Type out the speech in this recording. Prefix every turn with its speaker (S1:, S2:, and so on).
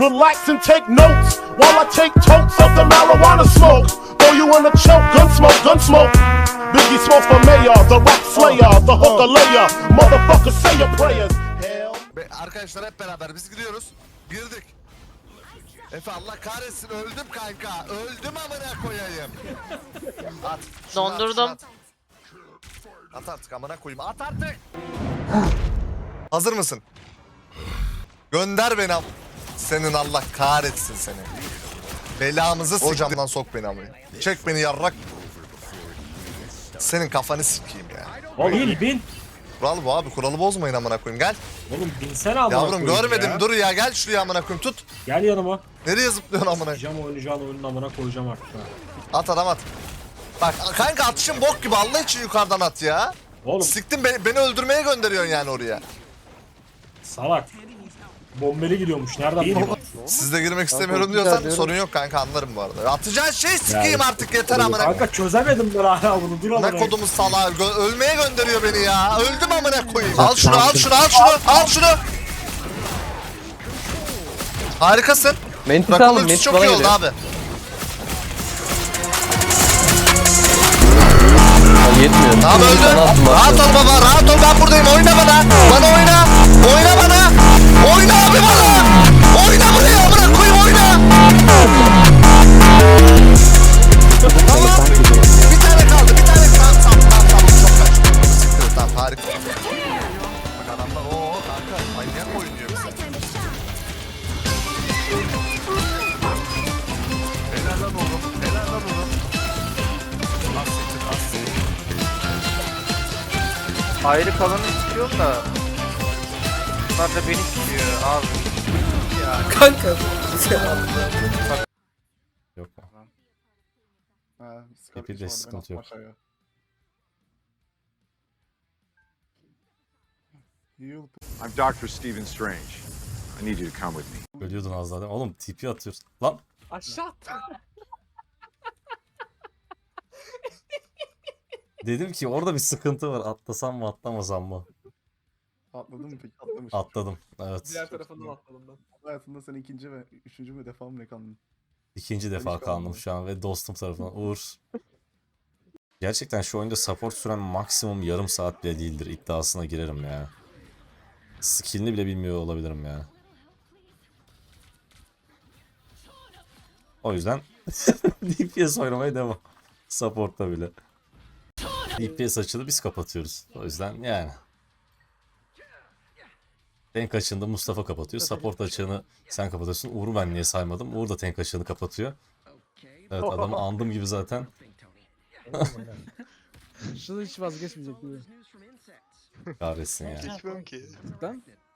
S1: Relax and take notes while I take totes of the marijuana smoke. Throw you in a choke, gun smoke. Biggie Smalls for mayor, the rap slayer, the hooker layer. Motherfucker, say your prayers. Hell.
S2: Arkadaşlar hep beraber biz gidiyoruz. Girdik. Efe Allah kahretsin öldüm kanka. Öldüm amına koyayım. At. Şunu
S3: Dondurdum.
S2: At, at artık amına koyayım. At artık. Hazır mısın? Gönder beni am. Senin Allah kahretsin seni. Belamızı siktir. Hocamdan sok beni amına. Çek beni yarrak. Senin kafanı sikeyim ya.
S4: Oğlum bin.
S2: Kural bu abi. Kuralı bozmayın amına koyayım. Gel.
S4: Oğlum binsene amına
S2: Yavrum
S4: koyayım
S2: görmedim.
S4: ya.
S2: Dur ya gel şuraya amına koyayım tut.
S4: Gel yanıma.
S2: Nereye zıplıyorsun amına?
S4: Oynayacağım oynayacağın oyunun amına koyacağım artık ha.
S2: At adam at. Bak kanka atışın bok gibi Allah için yukarıdan at ya.
S4: Oğlum
S2: Siktin beni öldürmeye gönderiyorsun yani oraya.
S4: salak. Bombeli gidiyormuş. Nereden bileyim?
S2: Siz de girmek istemiyorum diyorsan sorun yok kanka anlarım bu arada. Atacağın şey sikeyim
S4: Ya,
S2: artık yeter amına.
S4: Kanka çözemedim ben hala bunu. Dur amına.
S2: Ne kodumuz salağı ölmeye gönderiyor beni ya. Öldüm amına koyayım. Al şunu al şunu al şunu al şunu. Harikasın.
S5: Mentis
S2: Rakam
S5: alın,
S2: ultisi
S5: Mentis
S2: çok
S5: bana
S2: iyi oldu
S5: geliyor.
S2: abi.
S5: Yetmiyor.
S2: Tamam öldü.
S5: Bana attım,
S2: Rahat
S5: attım.
S2: ol baba rahat ol ben buradayım oyna bana. Bana oyna. Oyna bana. Oyna abi bana. Oyna buraya amına koyayım oyna. Tamam. Bir tane kaldı bir tane kaldı. Tamam çok kaçtı. Siktir tamam harika. Bak adamlar ooo kanka manyak oynuyor bize. Helal lan oğlum. Helal lan oğlum. Az siktir az siktir.
S6: Ayrı kalanı istiyorum da bunlar da beni istiyor abi.
S7: Kanka.
S8: Yok mu? Hepide sıkıntı yok.
S9: I'm Dr. Stephen Strange. I need you to come with me.
S8: Ölüyordun az daha değil mi? Oğlum TP atıyorsun. Lan
S7: Aşağı.
S8: dedim ki orada bir sıkıntı var. Atlasam mı atlamasam mı?
S10: Atladın mı peki? Atlamış.
S8: Atladım. Evet.
S7: Diğer tarafından atladım ben.
S10: Hayatında sen ikinci ve üçüncü mü defa mı ne kaldın?
S8: İkinci defa kaldım şu an ve dostum tarafından. Uğur. Gerçekten şu oyunda support süren maksimum yarım saat bile değildir. İddiasına girerim ya. Skill'ini bile bilmiyor olabilirim ya. O yüzden DPS oynamaya devam. Support'ta bile. DPS açılı biz kapatıyoruz. O yüzden yani. Tank açığını Mustafa kapatıyor. Support açığını sen kapatıyorsun. Uğur'u ben niye saymadım? Uğur da tank açığını kapatıyor. Evet adamı andım gibi zaten.
S7: Şunu hiç vazgeçmeyecek gibi.
S8: Kahretsin ya.
S6: Geçmem ki.
S7: Cidden?